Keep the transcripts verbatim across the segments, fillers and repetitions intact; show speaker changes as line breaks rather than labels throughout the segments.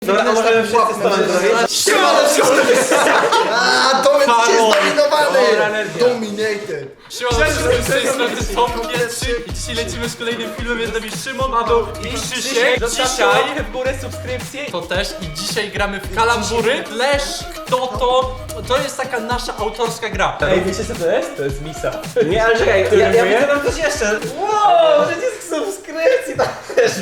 Dobra, a możemy wszyscy stąd zrobić?
Siemano, A, to jest zdominowany! Dominated!
Siemano, z tej strony Tom Pierwszy i dzisiaj lecimy z kolejnym filmem, jest z nami Szymon, Paweł i Krzysiek. Dzisiaj
w górę subskrypcję.
to też i dzisiaj gramy w kalambury. Flash, kto to? To jest taka nasza autorska gra.
Ej, wiecie co to jest? To jest misa. Nie, ale czekaj, ja, ja widzę tam coś jeszcze. Wow, przycisk subskrypcji tam też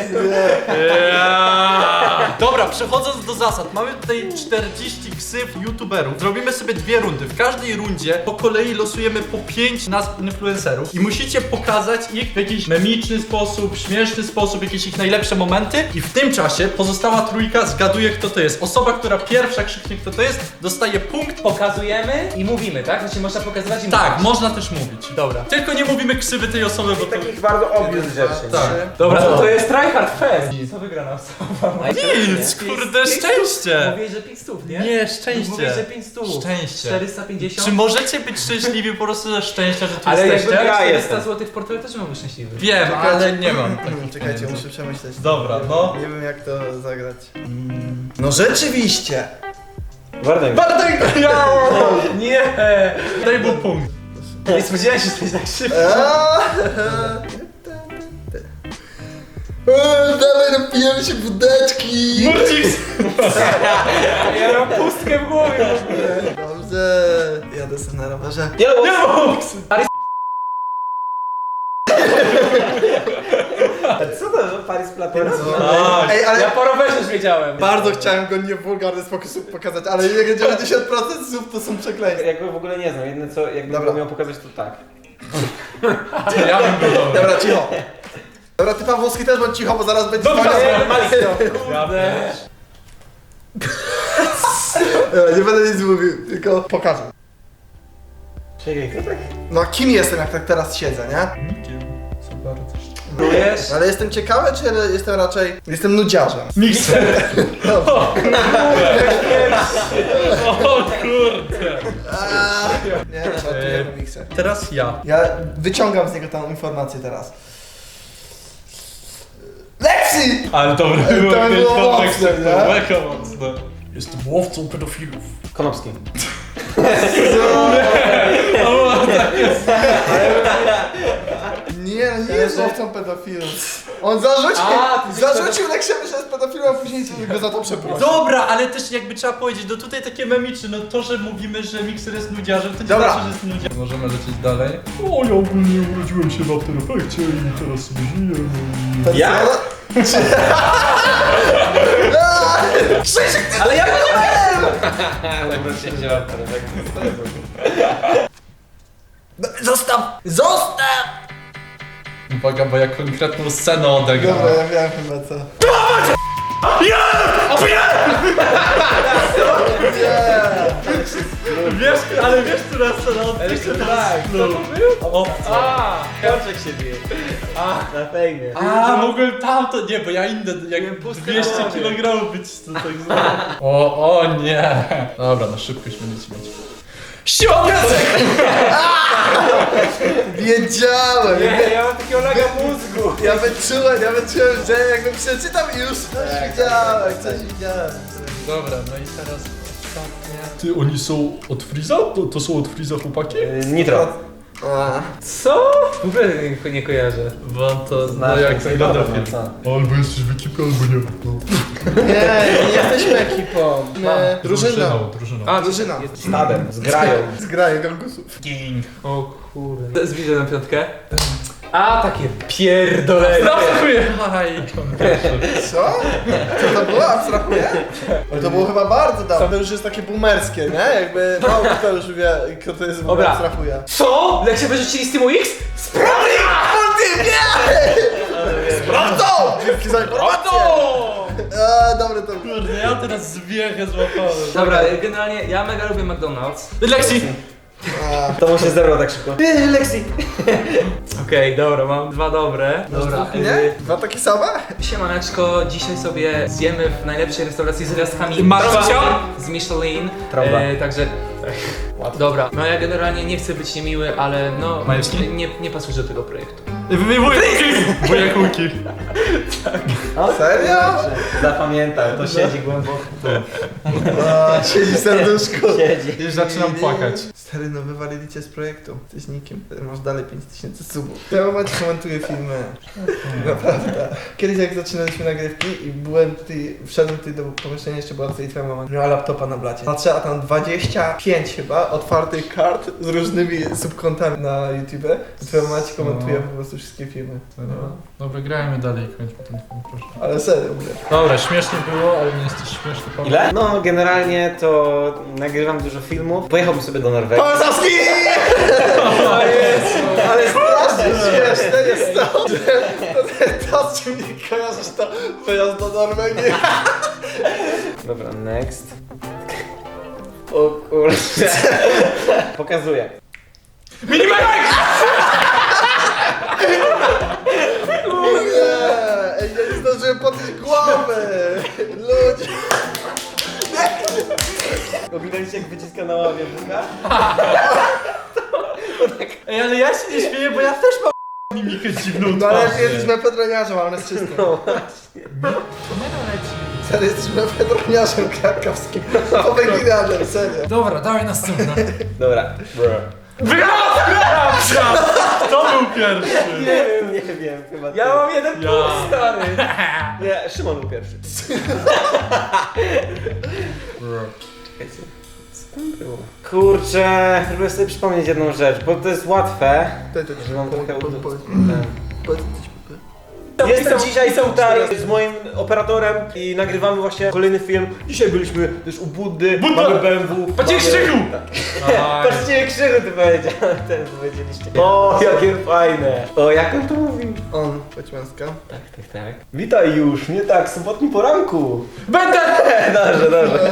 Yeah. Dobra, przechodząc do zasad, mamy tutaj czterdzieści ksów youtuberów. Zrobimy sobie dwie rundy. W każdej rundzie po kolei losujemy po pięć nazw influencerów i musicie pokazać ich w jakiś memiczny sposób, śmieszny sposób, jakieś ich najlepsze momenty i w tym czasie pozostała trójka zgaduje, kto to jest. Osoba, która pierwsza krzyknie, kto to jest, dostaje punkt.
Pokazujemy i mówimy, tak? Znaczy można pokazywać i
Tak,
mówić.
można też mówić.
Dobra.
Tylko nie mówimy ksywy tej osoby, bo to...
Takich bardzo obvious rzeczy.
Tak.
Dobra, no to jest tryhard fest. Co wygrana osoba?
Nic, kurde, szczęście!
Mówię, że pięć stów, nie?
Nie, szczęście.
Mówię, że pięć stów.
Szczęście.
czterysta pięćdziesiąt.
Czy możecie być szczęśliwi po prostu ze szczęścia, że tu
Ale
jesteście?
jakby miał
Ja
czterysta
jestem.
złotych w portfelu też byłby szczęśliwy.
Wiem, ale nie mam takich
Czekajcie,
pieniędzy.
muszę przemyśleć.
Dobra, no.
Nie wiem jak to zagrać. Mm. No rzeczywiście!
Warto mi.
Bartek!
Nie!
Daj mu punkt.
Nie spodziewałem się, że to jest tak szybko.
Dawaj, napijemy się wódeczki!
Murcix!
Ja mam pustkę w głowie w ogóle.
Dobrze, jadę sobie na rowerze.
Nie, no, co to? Paris Platyna?
Tak.
Ej, ale
Ja po rowerze już wiedziałem.
bardzo chciałem go nie w wulgarny sposób pokazać, ale jak dziewięćdziesiąt procent słów to są przekleństwa.
Jakby w ogóle nie znam, jedyne co jakbym
Dobra.
go miał pokazać to tak.
Ja bym go dał.
Dobra, cicho. Dobra, ty Pawłowski też bądź cicho, bo zaraz będzie
Dobra,
dzwonił.
nie, Malik, to.
Ja
Kurde.
Dobra, nie będę nic mówił, tylko pokażę.
Czekaj, kto tak?
No kim jestem, jak tak teraz siedzę, nie?
Co bardzo.
Próbujesz?
Ale jestem ciekawy, czy jestem raczej... Jestem nudziarzem.
Mikser!
Dobrze.
O kurde!
Aaa, nie, żartuję do mikser.
Teraz ja.
Ja wyciągam z niego tą informację teraz. Lexi!
Ale dobra,
To
było
było
było
mocne, nie?
mega mocne. Jestem łowcą pedofilów.
Konopski.
Nie, nie jest łowcą pedofilów. On zarzucił,
A, ty jesteś
zarzucił Lexiemu, że jest pedofilem, a później go za to przeprosił.
Dobra, ale też jakby trzeba powiedzieć, no tutaj takie memiczne, no to, że mówimy, że mikser jest nudziarzem, to nie
Dobra.
znaczy, że jest nudziarzem. Możemy lecieć dalej. O, ja ogólnie urodziłem się w After Effectsie i teraz sobie żyję.
Ja?
Krzysiek, ty
Ale ja go nie Ale wreszcie wziąłem ten efekt.
Zostaw! Zostaw!
Uwaga, bo ja konkretną scenę odegram.
Dobra, ja wiem chyba co.
Wiesz, ale wiesz, która scena odegram?
Tak, co to był?
O,
A,
Koczek się bije.
a,
Na fejmie.
A, mogłem tamto, nie, bo ja inne, jak
Miałem pustkę
dwieście
na głowie.
kilogramów być to tak zwane. O, o nie. Dobra, na szybkość będziecie mieć. Siła piasek!
Wiedziałem!
nie, ja mam takiego laga mózgu.
Ja wyczułem, ja wyczułem, że jakbym przeczytał i już coś widziałem, coś widziałem.
Dobra, no i teraz ostatnie. Ty, oni są od Freeza? To, to są od Freeza chłopaki?
Nitro.
A.
Co? W ogóle nie, nie kojarzę.
Bo to, no
Znasz,
jak
jak
wygląda
to
film.
co?
Albo jesteś w ekipie, albo nie. No.
Nie, nie jesteśmy ekipą. My drużyną.
drużyną.
A,
Drużyna.
Stadem, zgrają.
Zgraję gangusów.
King.
O kurde. Zbliżę na piątkę. A, takie pierdolenie.
Abstrahuję! Haj,
Co? Co to było? Abstrahuję? To było chyba bardzo dawno. To już jest takie boomerskie, nie? Jakby mało kto już wie, kto to jest w ogóle
Dobra.
abstrahuje.
Co? Leksie wyrzucili z Teamu X?
Sprawdź! Ty nie! Sprawdzą! Dzięki za informację! Eee, dobre to było.
Kurde, ja teraz zwiechę złapałem.
Dobra, generalnie ja mega lubię McDonald's.
Lexi!
A,
To mu się zerwał tak szybko. Eee, Lexi.
Okej, dobra, mam dwa dobre. Dobra,
nie? Dwa takie same?
Siemaneczko, dzisiaj sobie zjemy w najlepszej restauracji z gwiazdkami
Marcia?
z Michelin.
Trąba.
E, także
Dobra, no ja generalnie nie chcę być niemiły, ale no
Majewski?
nie, nie pasujesz do tego projektu.
Wujek Wujek Łuki.
Serio?
Zapamiętał, to siedzi głęboko.
A, siedzi w serduszku.
Siedzi.
Już zaczynam płakać.
Stary, no wywalili cię z projektu. Jesteś nikim. Masz dalej pięć tysięcy subów. Ja momencie komentuję filmy. Naprawdę. Kiedyś jak zaczynaliśmy nagrywki i byłem tutaj, wszedłem tutaj do pomieszczenia, jeszcze była tutaj twoja mama. Miała laptopa na blacie. Patrzę, a tam dwadzieścia pięć chyba otwartych kart z różnymi subkontami na YouTube. I twoja mama ci komentuje po prostu wszystkie filmy.
No, no wygrajmy dalej, kończmy ten film, proszę.
Ale serio, mówię.
Dobra, śmiesznie było, ale nie jesteś śmieszny. Paweł.
Ile? No generalnie to nagrywam dużo filmów. Pojechałbym sobie do Norwegii.
Polsowski! Ale strasznie śmieszne jest to, że to, to, z czym nie kojarzysz, to wyjazd do Norwegii.
Dobra, next. O kurczę. Pokazuję.
Nie, ej, ja nie zdążyłem podnieść głowy. Ludzie.
Oglądaliście jak wyciska na ławie buga?
Ej, ale ja się nie śmieję, bo ja też mam mimikę dziwną
No ale
twarzy.
jesteś mefedroniarzem, a on jest czysty.
No właśnie.
Serio, jesteś mefedroniarzem krakowskim. Powyginarzem, serio.
Dobra, dawaj następne.
Dobra.
Wygrałem! Kto był pierwszy?
Nie wiem, nie wiem, chyba ty.
Ja mam jeden
Ja.
punkt, stary!
Nie, Szymon był pierwszy. Czekajcie. Co tam było? Kurczę, próbuję sobie przypomnieć jedną rzecz, bo to jest łatwe.
To jest
Że mam trochę
po-
ud-
po-
ten.
Powiedz coś, Pupy.
Jestem dzisiaj tutaj z moim operatorem i nagrywamy właśnie kolejny film. Dzisiaj byliśmy też u Buddy,
Budda!
mamy B M W.
Patrzcie,
mamy-
Krzychu!
Tak. Patrzcie, Krzychu ty powiedział, ten powiedzieliście. O, jakie fajne. O, jak on to mówił?
On, Poćmianska.
Tak, tak, tak. Witaj już, nie tak, sobotni poranku.
Będę!
Dobrze, dobrze.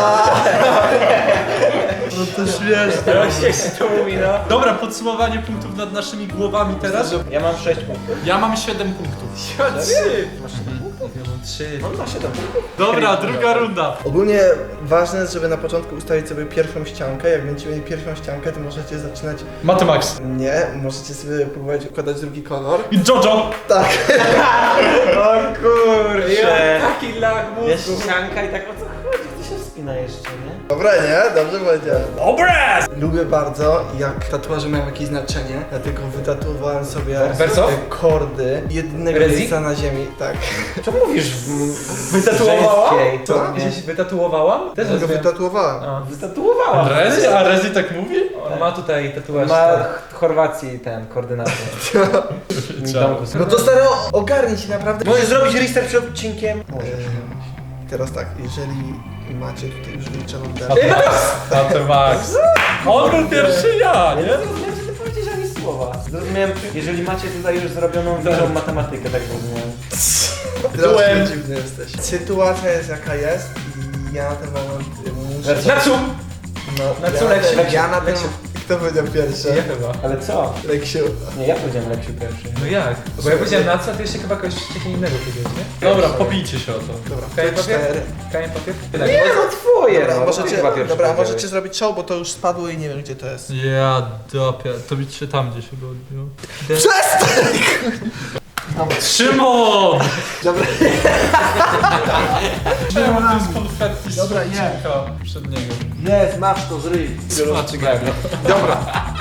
No to śmieszne.
Jak się to mówi, no.
Dobra, podsumowanie punktów nad naszymi głowami teraz.
Ja mam sześć punktów.
Ja mam siedem punktów.
Trzy!
Masz siedem punktów?
Ja mam trzy.
On ma siedem punktów.
Dobra, druga runda.
Ogólnie ważne jest, żeby na początku ustalić sobie pierwszą ściankę. Jak będziecie mieli pierwszą ściankę, to możecie zaczynać...
Matemax.
Nie, możecie sobie próbować układać drugi kolor.
I Jojo.
Tak.
O kurczę.
Taki lag
Jest
mózgu.
ścianka i tak o co chodzi? To się wspina jeszcze, nie?
Dobre, nie? Dobrze powiedziałem.
Dobre!
Lubię bardzo, jak tatuaże mają jakieś znaczenie, dlatego wytatuowałem sobie
Verso?
te kordy jednego
Rezi?
miejsca na ziemi. Tak.
Co mówisz w
Wytatuowała?
żeńskiej
Co?
formie?
Gdzieś wytatuowałam? Też
Ja go
rozumiem.
wytatuowałem.
A.
Wytatuowała.
Rezi? A Rezi tak mówi?
On ma tutaj tatuaż.
Ma
tak.
w Chorwacji ten koordynator.
Ciao.
No to stary, ogarnij się naprawdę.
Możesz zrobić research przed odcinkiem? Możesz.
Eee, Teraz tak, jeżeli macie tutaj już wyliczoną
A
derę.
Matemax. On był pierwszy, ja,
Nie
nie?
zrozumiałem, że ty powiedziałeś ani słowa. Zrozumiałem, jeżeli macie tutaj już zrobioną dużą matematykę, tak zrozumiałem.
Byłem dziwny jesteś. Sytuacja jest jaka jest i ja na ten moment muszę...
Verso.
Na cum!
No,
Na co
ja,
Leksiu?
ja na ten...
Leksiu.
Kto powiedział pierwszy?
Ja chyba.
Ale co?
Leksiu.
Nie, ja powiedziałem Leksiu pierwszy.
No jak? Bo ja powiedziałem na co, a ty jeszcze chyba kogoś wcześniej innego powiedziałeś, nie?
Dobra, pobijcie się o to.
Dobra,
Kamień
to
papier?
cztery.
Kamień papier?
Nie, no twoje,
Dobra,
no.
możecie,
Chyba pierwszy
dobra
powiedziałeś.
możecie zrobić show, bo to już spadło i nie wiem gdzie to jest.
Ja dopia, to mi się tam gdzieś chyba odbiło.
Przestań!
Szymon!
Dobra.
Szymon to jest konfetti z
Dobra, nie.
odcinka przed niego.
Jest, masz to, zryj.
Smaczy gębę.
Dobra.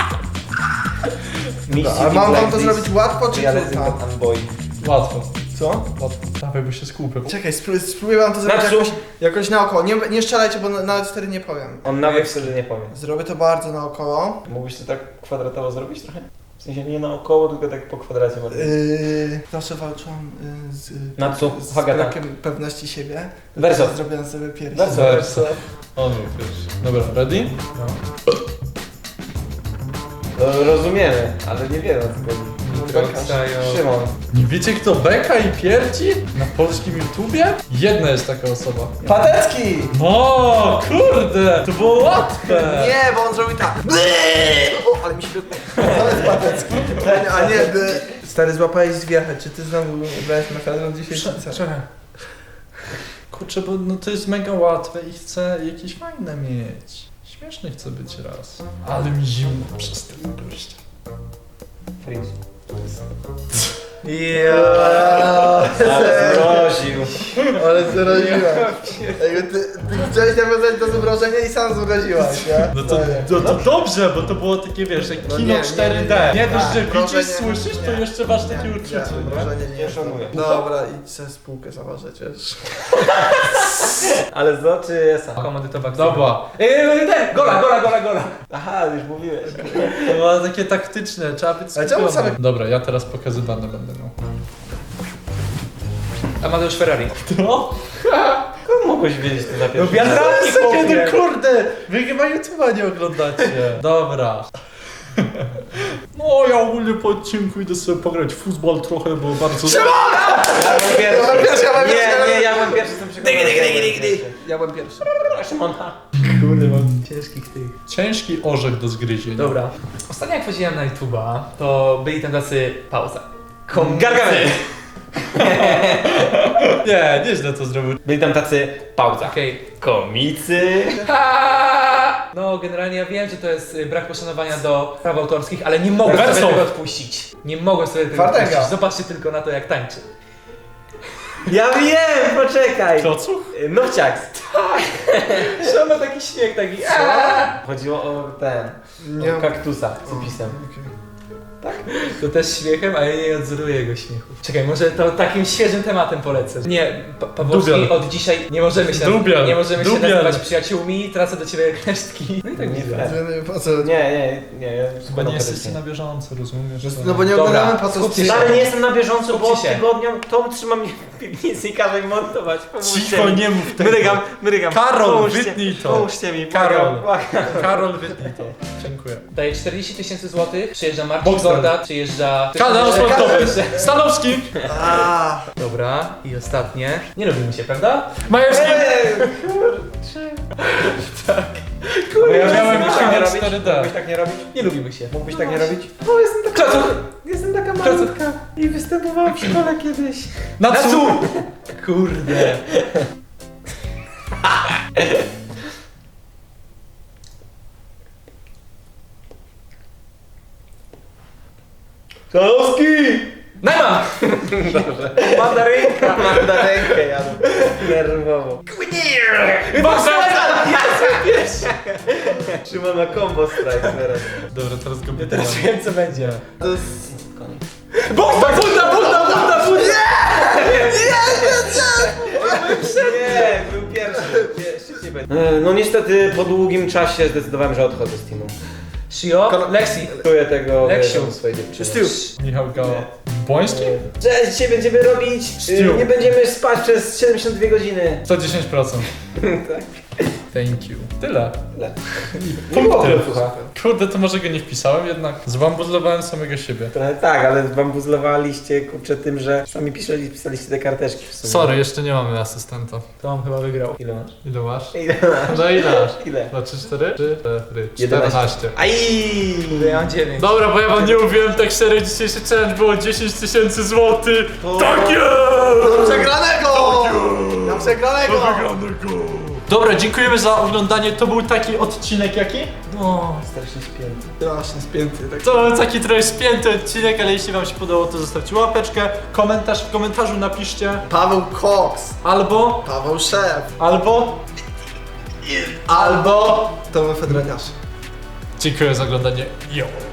Misji
A mam wam to
Black
zrobić łatwo czy
Ja
trudno?
lecę Unboy.
Łatwo.
Co?
Łatwo. Dawaj, bo się skupię.
Czekaj, spróbuję, spróbuję wam to zrobić
Na co?
jakoś, jakoś naokoło. Nie, nie strzelajcie, bo na, na cztery nie powiem.
On nawet wtedy nie powie.
Zrobię to bardzo naokoło.
Mógłbyś to tak kwadratowo zrobić trochę? W sensie nie naokoło, tylko tak po kwadracie bardziej.
Yy, zawsze walczyłam yy, z,
Na co?
z
Hagata.
brakiem pewności siebie.
Verso.
Teraz Zrobiłem sobie pierwszy.
Verso.
Verso. On był pierwszy. Dobra, ready?
No.
No, rozumiemy, ale nie wiemy o co chodzi.
Doksajo.
Szymon.
Nie wiecie kto beka i pierdzi? Na polskim YouTubie? Jedna jest taka osoba.
Patecki!
O, kurde! To było łatwe!
Nie, bo on zrobił tak. O, ale mi się wytnie. To jest Patecki. A nie, by... Stary, złapałeś zwierzę. Czy ty znowu brałeś mefedron dzisiaj? czy co?
Czekaj.
Kurczę, bo no to jest mega łatwe i chcę jakieś fajne mieć. Śmieszny chcę być raz. Ale mi zimno przez ten gościa.
Freeze.
Ja.
Ale zmroził.
Ale zraziłem. Ej, ty, ty chciałeś nawiązać do zmrożenia i sam zmroziłaś, nie?
No to, no to dobrze, bo to było takie, wiesz, jak
No
kino
nie, nie,
cztery D.
nie, nie.
Nie dość, że
Tak, proszę
widzisz,
nie,
słyszysz,
nie.
to jeszcze masz takie
Nie,
uczucie,
nie,
nie?
Mrożenie nie,
Nie szanuję.
Dobra, idź sobie spółkę zaważyć, wiesz.
Ale z czy esa?
Komandytowa
Dobra.
Eee, ten! Gola, gola, gola, gola!
Aha, już mówiłeś.
To było takie taktyczne, trzeba być
Ale czemu
skupiony.
same-
Dobra, ja teraz pokazywane będę miał.
Amadeusz Ferrari.
No?
Skąd mogłeś wiedzieć to na
No
pierwszy
wiadomo,
raz?
Kiedy, no kurde! Wy chyba YouTube'a nie oglądacie. Dobra. No, ja ogólnie po odcinku idę sobie pograć w futbol trochę, bo bardzo...
Ja byłem pierwszy.
Ja byłem pierwszy, ja byłem pierwszy.
Nie, nie, ja byłem pierwszy, jestem przekonany.
Dygi, dygi, dygi, dygi. Ja byłem pierwszy.
Szymona.
Kurde, mam ciężkich tych.
Ciężki orzech do zgryzienia.
Dobra. Ostatnio jak wchodziłem na YouTube'a, to byli tam tacy... Pauza.
Gargamel.
Nie, nieźle to zrobił.
Byli tam tacy pauza.
Okej.
Komicy.
No, generalnie ja wiem, że to jest y, brak poszanowania do praw autorskich, ale nie mogłem
Wersow.
sobie tego odpuścić. Nie mogłem sobie tego
Twardego.
odpuścić. Zobaczcie tylko na to, jak tańczy.
Ja wiem, poczekaj.
Klocuch?
Nowciaks.
Że ma taki śmiech, taki...
Chodziło o ten,
Nie.
o kaktusa z pisem.
To też śmiechem, a ja nie odzoruję jego śmiechu. Czekaj, może to takim świeżym tematem polecę. Nie, pa Pawłowski,
Dubiel.
od dzisiaj nie możemy się,
Dubiel.
nie możemy się
Dubiel.
nazywać przyjaciółmi, tracę do ciebie resztki. No i tak
Nie
widzę.
fair.
Po co?
Nie, nie, nie, ja
Chyba
składam
nie jesteście
petycję.
na bieżąco, rozumiesz?
No bo nie
Dobra,
oglądamy po co
skupcie się.
Ale nie jestem na bieżąco, bo od
Skupcie się.
tygodnia Tom trzyma mnie w piwnicy i każe mi montować. Pomóżcie
Cicho,
mi.
nie mów tego.
Mrygam, mrygam.
Karol,
Pomóżcie-
wytnij to.
Pomóżcie mi,
Karol.
błagam, błagam.
Karol, wytnij to. Dziękuję.
Daję czterdzieści tysięcy złotych, przyjeżdża Marcin
Boxer.
Gorda, przyjeżdża...
Kanał sportowy. Stanowski.
A,
Dobra, i ostatnie. Nie lubimy się, prawda?
Majewski.
Bo ja
miałem
mógłbyś
być
tak nie
na
robić?
cztery D.
Mógłbyś tak nie robić?
Nie lubimy się.
Mógłbyś tak nie robić? O, jestem taka
Klocuch!
Jestem taka malutka i występowałam w szkole kiedyś.
Natsu.
Kurde.
Stanowski!
Najman!
Mandarynka! Mandarynkę jadę. Nerwowo.
Boxer!
Szymon ma combo strike teraz.
Dobra, teraz go
Teraz
pytam.
wiem, co będzie.
to jest...
Bunda, bunda, bunda, bunda, bunda!
Nie, był pierwszy. Nie, szybciej będzie. E, No niestety po długim czasie zdecydowałem, że odchodzę z teamu.
Shio, Lexi.
Czuję tego
Leksiu.
wiedzą swojej dziewczyny.
Stu.
Michał Gała. Błoński?
Cześć, dzisiaj będziemy robić, y,
Stu.
nie będziemy spać przez siedemdziesiąt dwie godziny.
sto dziesięć procent.
Tak.
Thank you. Tyle.
Nie było
Punkty.
słucha.
Kurde, to może go nie wpisałem, jednak zbambuzlowałem samego siebie.
Trochę tak, ale bambuzlowaliście kurczę tym, że sami pisali, pisaliście te karteczki w sumie.
Sorry, jeszcze nie mamy asystenta.
To on chyba wygrał.
Ile masz?
Ile masz?
Ile masz?
No ile masz?
Ile?
Dwa, trzy, cztery? Trzy, cztery.
jedenaście.
czternaście.
Aj!
Ja mam dziewięć.
Dobra, bo ja wam nie mówiłem, tak serio, dzisiejszy challenge było dziesięć tysięcy złotych. Tak
Do
jest!
przegranego! Na przegranego!
Dobra, dziękujemy za oglądanie. To był taki odcinek jaki?
No.
Strasznie śpięty.
Strasznie spięty. Tak.
To był taki trochę spięty odcinek, ale jeśli wam się podobało, to zostawcie łapeczkę, komentarz, w komentarzu napiszcie
Paweł Cox.
albo,
Paweł Szef.
albo,
Albo... Tomy Fedraniarz.
dziękuję za oglądanie. Yo!